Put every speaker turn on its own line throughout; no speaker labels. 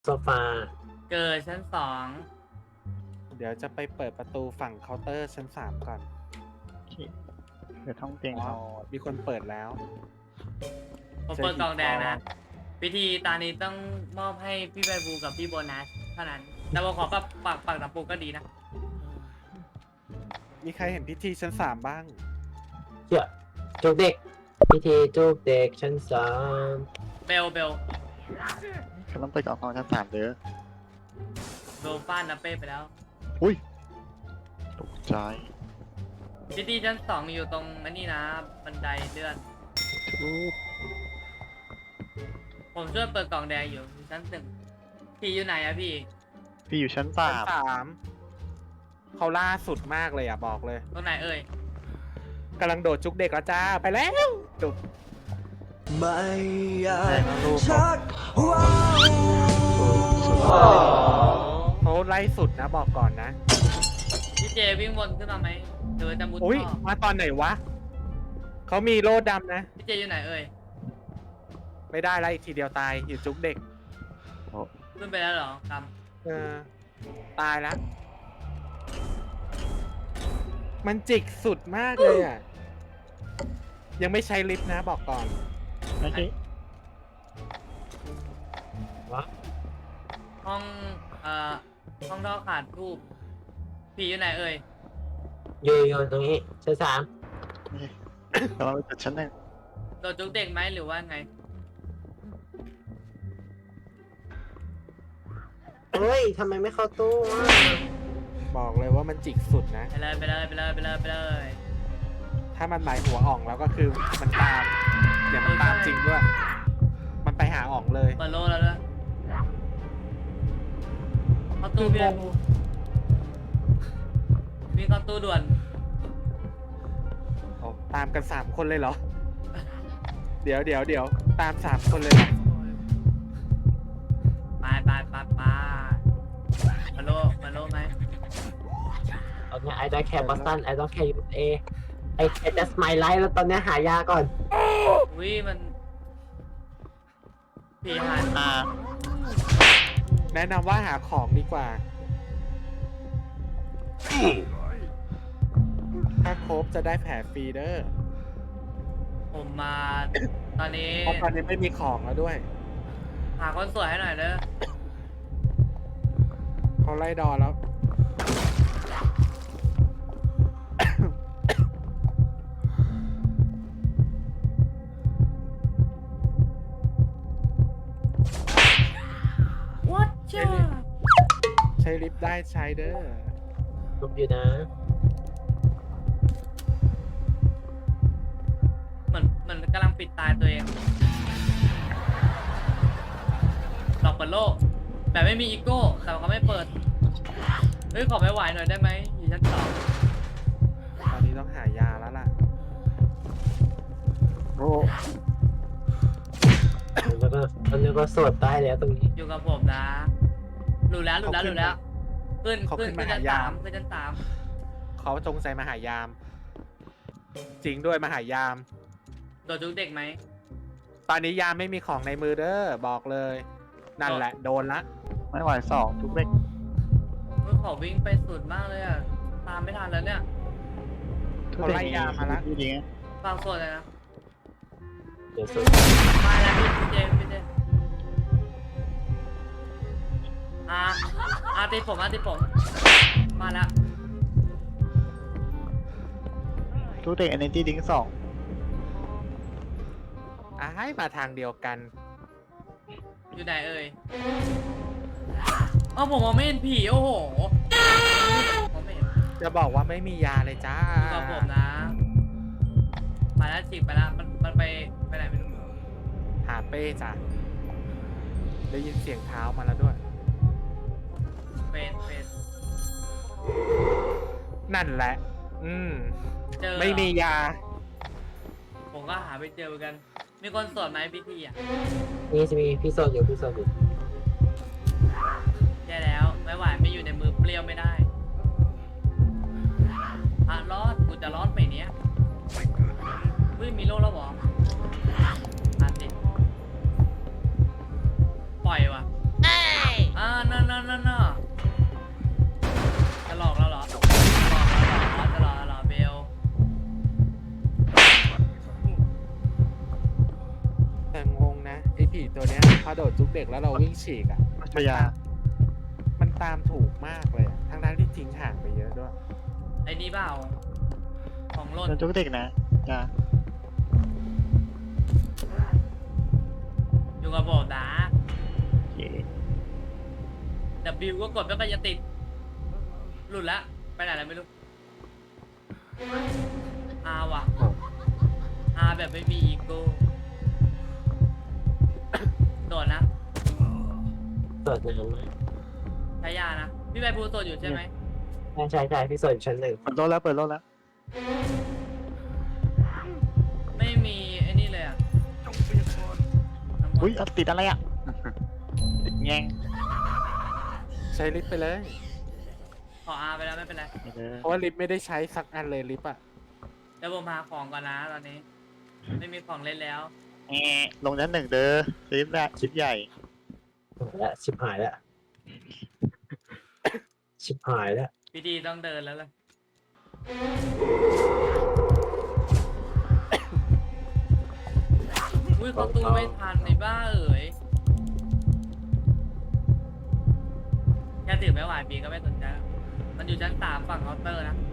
โซฟา
เกิดชั้นสอง
เดี๋ยวจะไปเปิดประตูฝั่งเคาน์เตอร์ชั้น3ก่อน
โอเคเดี๋ยวท่องเตียง
อ๋อ
เรา
มีคนเปิดแล้ว
ผมเปิดกล่องแดงนะพิธีตานี้ต้องมอบให้พี่ใบบูกับพี่โบนัสเท่านั้นแต่ผมขอปักตะปูก็ดีนะ
มีใครเห็นพิธีชั้น3บ้าง
เชื่อจุกเด็กพิธีจุกเด็กชั้นสาม
เบล
เขาต้องไปกล่องของชั้น3เด้อ
เบลฟาดนะเป้ไปแล้ว
อุ้ยตกใจ
พิธีชั้นสองอยู่ตรงนี่นะบันไดเลื่อน
ทูบ
ผมช่วยเปิดกล่องแดงอยู่ชั้นหนึ่งพี่อยู่ไหนอะพี่
พี่อยู่ชั้น
ชั้น
3
3เขาล่าสุดมากเลยอ่ะบอกเลย
ตรงไหนเอ่ย
กำลังโดดจุกเด็กแล้วจ้าไปแล้วจุก
ไม่อยา
แต่
ก
ละรูป
ชักว้าว
เขาไล่สุดนะบอกก่อนนะ
พี่เจวิ่งวนขึ้นมาไหมหรือจะมุด
อุ้ย
ท่อ
มาตอนไหนวะเขามีโล่ดำนะ
พี่เจอยู่ไหนเอ่ย
ไม่ได้ไล่ทีเดียวตายอยู่จุกเด็ก
ขึ้นไปแล้วเหรอก
เออตายแล้ว มันจิกสุดมากเลยอ่ะ ยังไม่ใช้ลิฟต์นะบอกก่อน
ไม่ใช่
ำห้องห้องท่อขาดทูบพี่อยู่ไหนเอ่ย
อยู่ตรงนี้ชั้นสาม
ไม่ใช่เราไปจัดชั้น 1
โดดจุกเด็กไหมหรือว่าไง
เฮ้ยทำไมไม่เข้าตู้วะ
บอกเลยว่ามันจิกสุดนะ
ไปเลย
ถ้ามันหมายหัวอ่องแล้วก็คือมันตาม เดี๋ยวมันตามจริงด้วย มันไปหาอ่องเลย
เปิดโลแล้วด้วยเข้าตู้พี่บูพี่เข้าตู้ด่วน
โอ้ตามกัน3คนเลยเหรอ เดี๋ยวตาม3คนเลยเหรอ
ไปมาโลไหม
ตอนนี้ I don't care Boston I don't care USA I care just my life แล้วตอนนี้หายาก่อน
อุ้ยมันพี่หัน
แนะนำว่าหาของดีกว่า ถ้าครบจะได้แผลฟรีเด้อ
ผมมาตอนนี้
เพราะตอนนี้ไม่มีของแล้วด้วย
หาคนสวยให้หน่อยเด้อ
เขาไล่ดอแล้ว
วัดจ้า
ใช้ลิฟต์ได้ใช้เด้อ
ลุกอยู่นะ
เหมือนกำลังปิดตายตัวเองหลอกเปิดโลกแบบไม่มีอีโก้แต่เขาไม่เปิดเฮ้ยขอไม่ไหวหน่อยได้ไหมอยู่ชั้นสอง
ตอนนี้ต้องหายาแล้วล่ะ
โอ้
แล้วก็ตอนนี้ก็สวดได้แล้วตรงนี้
อยู่กับผมนะหลุดแล้วขึ้นชั้นสามขึ้นชั้นสาม
เขาจงใจมาหายาม จริงด้วยมาหายาม
โดดจุกเด็กไหม
ตอนนี้ยามไม่มีของในมือเด้อบอกเลย นั่นแหละโดนละ
ไม่ไหว2ทุกเล็ก
เฮ้ยขอวิ่งไปสุดมากเลยอ่ะตามไม่ทันแล้วเนี่ย
เขาไล่ยามมาละ
ดีไง
ฟังสดเลยนะ
เดี๋ยวสวด
มาแล้วพี่เจตีผมมาแล้ว
ทุกเด็ก Energy Drink
ให้มาทางเดียวกัน
อยู่ไหนเอ่ยเอ้าผมมองไม่เห็นผีโอ้โหมองไม่เห็น
จะบอกว่าไม่มียาเลยจ้า
อยู่กับผมนะไปแล้วจิกไปแล้วมันไปไหนไม่รู้
หาเป้จ้ะได้ยินเสียงเท้ามาแล้วด้วย
เป็น
นั่นแหละ
เจอ
ไม่มียา
ผมก็หาไปเจอเหมือนกัน มีคนสอนไหมพิธีอ่ะ
นี่จะมีพี่โซดอยู่
แย่แล้วไม่ไหวไม่อยู่ในมือเปรี้ยวไม่ได้ร้อนกูจะร้อนไปเนี้ยเฮ้ยมีโล่แล้วเหรอสิปล่อยว่ะ
พอโดดจุกเด็กแล้วเราวิ่งฉีกอ่ะ
พยา
มันตามถูกมากเลยอะทั้งที่ทิ้งห่างไปเยอะด้วย
ไอ้นี่เปล่าของหล่น
โดนทุกเด็กนะจ้า
อยู่กับผมนะ
โอเค
W ก็กดแล้วก็จะติด หลุดละไปไหนแล้วไม่รู้ R ว่ะ R แบบไม่มีอีโก้โดดนะ
เปิดยังไง
ใช้ยานะ พี่ใบพูโดดอยู่ใช่ไหม
ใช่พี่สนชั้นหนึ่ง
เปิดรถแล้วเปิดรถแล้ว
ไม่มีไอ้นี่เลยอ่ะน้ำมนต์
อุ้ยติดอะไรอ่ะ ติดแงง
ใช้ลิฟต์ไปเลย
ขอ R ไปแล้วไม่เป็นไร
ไม่เลย
เพราะว่าลิฟต์ไม่ได้ใช้สักอันเลยลิฟต์อ่ะ
เดี๋ยวผมหาของก่อนนะตอนนี้ ไม่มีของเล่นแล้ว
แงลงชั้นหนึ่งเด้อซิปแรกชิปใหญ่
และชิบหายแล้ว ชิบหายแล้ว
พี่ดีต้องเดินแล้วเลยอุ้ยเขาตู้ไม่ทันในบ้าเอ๋ยแค่ถือไม่ไหวปีก็ไม่สนใจแล้วมันอยู่ชั้น3ฝั่งเคาน์เตอร์นะ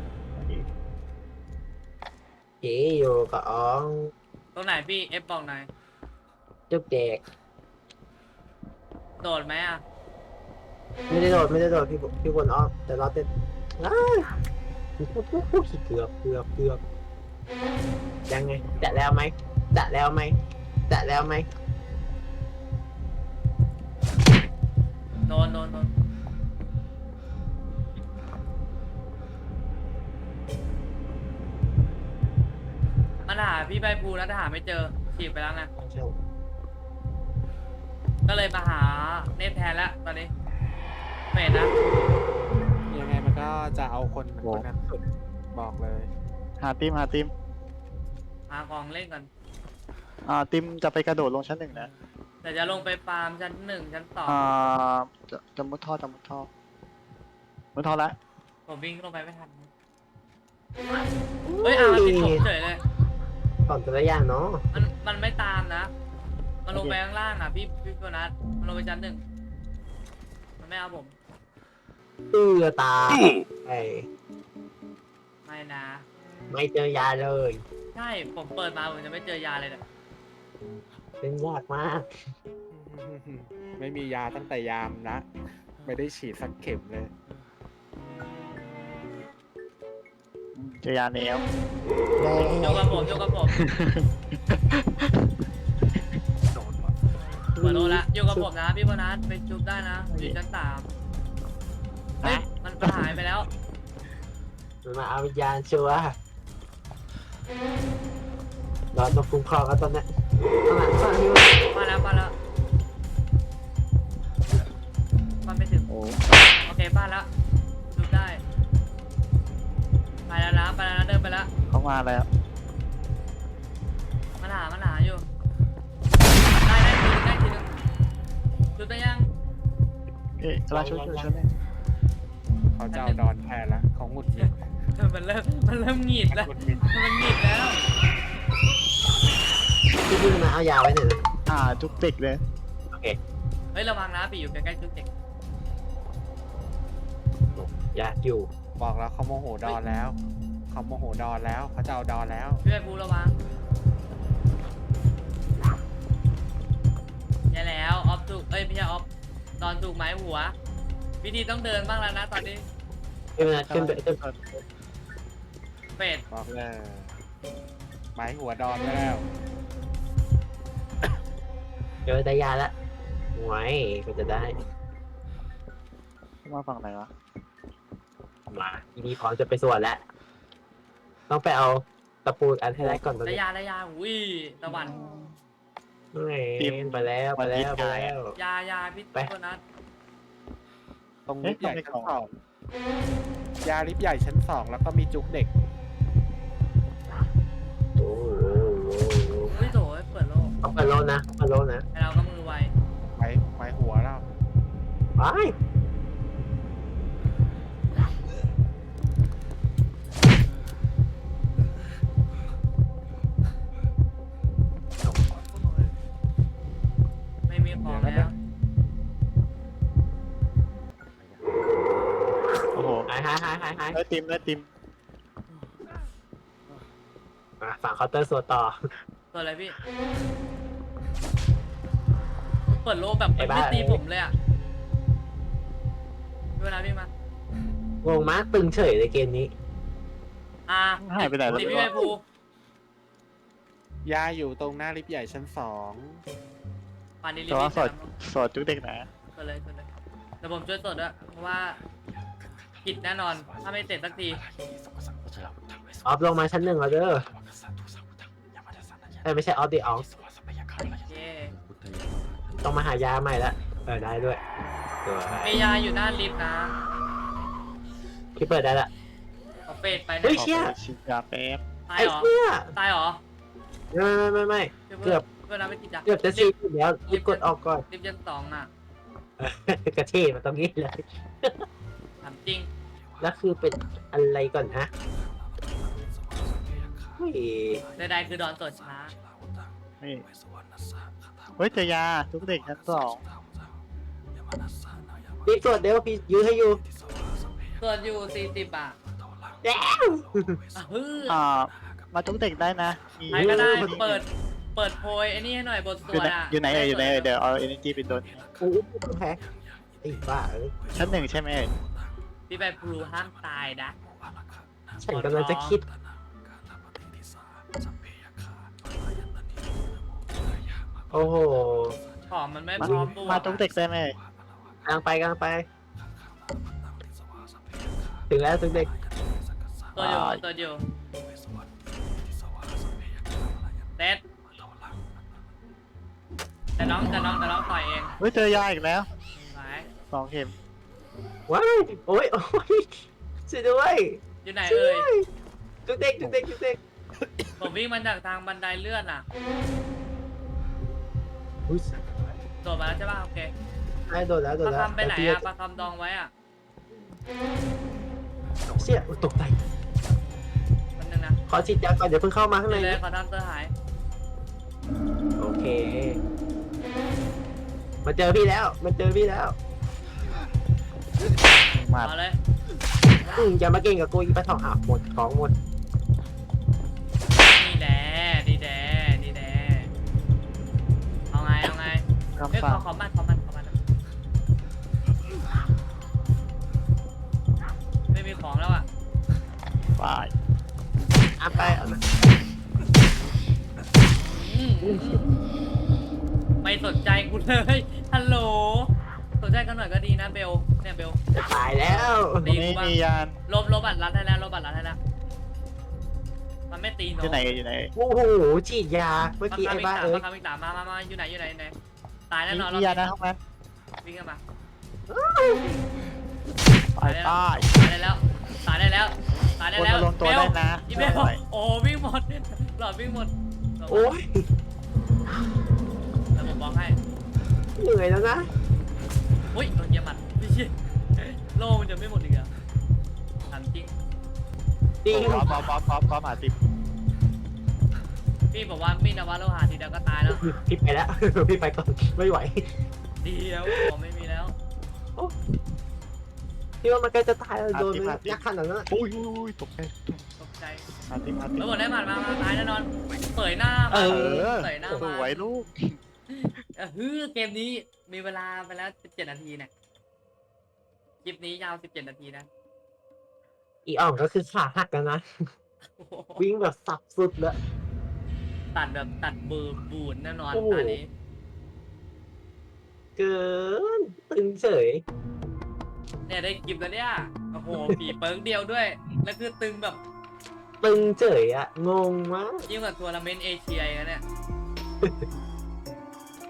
จีอยู่กับอ๋อง
ตรงไหนพี่ F บอกหน่อย
จุกเด็ก
โดดไหมอ่ะ
ไม่ได้โดดพี่บนอ้อมแต่เราเต้นอ้าวเกือบยังไงแตะแล้วไหม
โดนมันหาพี่ใบภูแล้วแต่หาไม่เจอฉีกไปแล้วไง ก็เลยมาหาเนฟแทนแล้วตอนนี้เฟดนะ
ยังไงมันก็จะเอาคนนั้นสุดบอกเลย
หาติม
หาของเล่นก่อน
ติมจะไปกระโดดลงชั้นหนึ่งนะ
แต่จะลงไปฟาร์มชั้น1ชั้น
จะมุดท่อมุดท่อละ
2ผมวิ่งลงไปไม่ทันเฮ้ยติดผมเฉยเลย
ก่อนแต่ละอย่างเนาะ
มันไม่ตามนะ มันลงไปข้างล่างอ่ะพี่โบนัสมันลงไปชั้น1มันไม่เอาผม
ตาไอ้
ไม่นะ
ไม่เจอยาเลย
ใช่ผมเปิดมาผมจะไม่เจอยาเลยเนี่ย
เป็นยากมาก
ไม่มียาตั้งแต่ยามนะ ไม่ได้ฉีดสักเข็มเลย
เจอยาแนว
โยกกับผมเปิดโลละโยกกับผมนะพี่โบนัสไปจุบได้นะอยู่ชั้น3เฮ้ยมันหายไปแล้ว
มันมาเอาวิญญาณชัวร์เราต้องคุ้มครองกันตอนเนี้ยข้างหลังพี่
มาแล้วมันไม่ถึง
โอ้
โอเคบ้านแล้วจุบได้ไปแล้วนะเดินไปแล้ว
เขามาแล้ว
มันหาอยู่ได้ทีนึงจุบได้ยัง
เอ๊ะราช่วยฉันเลย
เขาจะเอาดอนแทนละเขาหงุดหงิด
มันเริ่มหงิดแล้ว
หงุดหงิด
มันหงิดแล้ว
พี่มาเอายาไว้หน่อยนะ
จุกเด็กเลย
โอเค
เฮ้ยระวังนะปีอยู่ใกล้ๆจุบเด็ก
อยากอยู่
บอกแล้วเขาโมโหดอนแล้ว เขาโมโหดอนแล้ว เขาจะเอาดอนแล้ว
พี่ไปพูระวังใช่แล้วออฟถูกไม่ใช่ออฟตอนถูกไม้หัววิธีต้องเดินบ้างแล้วนะตอนนี้
ขึ้นไป
เป็ด
บอกเลยหมายหัวดอนไปแล้ว
เจอแต่ยาละไว้ก็จะได้
มาฝั่งไหนวะ
มาทีนี้พร้อมจะไปสวดแล้วต้องไปเอาตะปูอันให้ได้ก่อนตอน
ระ
นี้
ยะอุ้ยตะวัน
ไปแล้ว
ยาพี่ตัวนั้น
ตรงลิฟต์ใหญ่ชั้น2 ยาลิฟต์ใหญ่ชั้น 2 แล้วก็มีจุกเด็ก
โอ้โห
อุ้ยโถเปิดโลก
เอาไปโลนะ
ไอเราก็มือไว
ไม้หัวเรา
ไป
ไม่มี
หาย
ได้ติม
ฝั่งเคาน์เตอร์โซต่อ
ตัวอะไรพี่เปิดโลแบบมันไม่ตีผมเลยอ่ะเวลาพี่มาง
งมากตึงเฉยเลยเกมนี้
หายไปไหนแล้ว
ตีพี่ใบภู
ยาอยู่ตรงหน้าลิฟต์ใหญ่ชั้น
ป่านนี้รี
แต่
บ
ว่า
ๆ
สดจุกเด็กนะ
ตัวเลยแต่ผมช่วยสดด้วยเพราะว่าผิดแน่นอนถ้าไม่เสร็จสักที
ออฟลงมาชั้น 1แล้วเด้อไม่ใช่ออฟดิออฟ
เย้
ต้องมาหายาใหม่ละได้ด้วยสวย
มียาอยู่หน้าลิฟต์นะ
พี่เปิดได้ละ
เอาเฟดไป
เฮ้
นะ
ย เชี่ย
ฉีดยาแป๊บ
ตาย
ไอ้
เหรอ
เชี่ย
ตายเหรอ
ไม่ เกือบ
เวลาไม่ติดจ้ะ
เกือบจะซีอยู่แล้วรีบกดออกก่อน
ลิฟต์ยัน2อ่ะ
กระเท่มาตรงนี้เลย
ถามจริง
แล้วคือเป็นอะไรก่อนฮะเฮ้ย
ใดๆคือดอนสดช้า
นี่เฮ้ยเจอยาจุกเด็กชั้น
รีบตรวจเดี๋ยวพี่ยื้อให้อยู่
ส่วนอยู่40อ่ะ
แล้ว
ฮือ
2มาจุกเด็กได้นะมี
ใครก็ได้เปิดโพยไอ้นี่ให้หน่อยบทส
อยู่
ว
ไหน
ดอ่ะ
อยู่ไหนเดี๋ยวเอา energy ไปโดน
โอ้โหแพ้ไอ้บ้าเอ้ย
ชั้น 1ใช่ไหม
พี่ใบพลูห้ามตายนะ
ฉันกำลังจะคิด โอ้โห
ของมันไม่พร้อมตัว
มาจุกเด็กได้ไหม
กำลังไปถึงแล้วถึงเด็ก
ตัวอยู่เซ็ตแต่น้องต่อยเอง
เฮ้ยเจอยาอีกแล้ว
ไหน
2 เข็ม
ว้ายโอ้ยช่วยด้วย
อยู่ไหน
ช่วย
เอ่
ด้วย ยจุกเด็ก
ผมวิ่งมาจากทางบันไดเลื่อนอ่ะ
อุ้ย
โดดมาแล้วใช่ป่ะโอเค
ได้โดนแล้ว
ปลาคำไปไหนอ่ะปลาคำดองไว้อ่ะ
เชี่ยอุ๊ยตกใจ
มันนึงนะ
ขอฉีดยาก่อนเดี๋ยวเพิ่งเข้ามาข้างใน
เลยขอทำเตอร์หาย
โอเค มาเจอพี่แล้ว
มา
เอาเลย
อย่ามาเก่งกับกูอีปะทองอ่ะหมดของหมด
นี่แหละเอาไงเอ้ย
คำฟัง
ขอมันไม่มีของแล้วอ่ะ
ฝ่าย
ไป
ไม่สนใจกูเลยฮัลโหลสนใจกันหน่อยก็ดีนะเบลเนี่ยเบล
จะตายแล้ว
ตรงนี้มียาน
ลบบัตรรัดให้แล้วมันไม่ตี
อ
เนาะ
ยู่ไหน
โอ้โหฉีดยาเมื่อกี้ไอ้บ้าเอ้ย
ปากกามิกตามมาอยู่ไหนตายแน่นอน
มียานนะห้องนั้น
วิ่งกันมา
ไปป้าย
ตายได้แล้ว
คนมาลงตัวได้นะ
อีเบลโอ้วิ่งหมดหลอดวิ่งหมด
โอ้ย
แล้วผมบอกให้
เหนื่อยแล้วนะ
อุ้ยโดนเหยียบหมัดไม่ใช่โล่มันจะไม่หมดอีกเหรอถามจริง
จริง
ป๊อปหาติม
พี่บอกว่ามีนวาโลหะทีเดียวก็ตายแล้ว
พี่ไปแล้ว พี่ไปก่อนไม่ไหว
เดียวผมไม่มีแล้ว
พี่ว่ามันใกล้จะตายแล้วโดนมันยักษ์ขนาดนั้น
อุ้ยตกใจ
ตกใจ
หาติม
แล้วหมดได้หมัดมาตายแน่นอนเผยหน้ามาเผยหน้า
ส
มา
วยลูก
เกมนี้มีเวลาไปแล้ว17 นาทีเนี่ยคลิปนี้ยาว17 นาทีนะ
อีอ่องก็คือขาหักแล้วนะ วิ่งแบบสับสุดเลย
ตัดเบอร์บูนแน่นอน
โอ้โห
ตอนนี้
เกินตึงเฉย
เนี่ยได้คลิปแล้วเนี่ยโอ้โหผีเปิร์กเดียวด้วยแล้วคือตึงแบบ
ตึงเฉยอะงงมาก
ยิ่งกว่าทัวร์นาเมนต์เอเชียอีกนะเนี่ย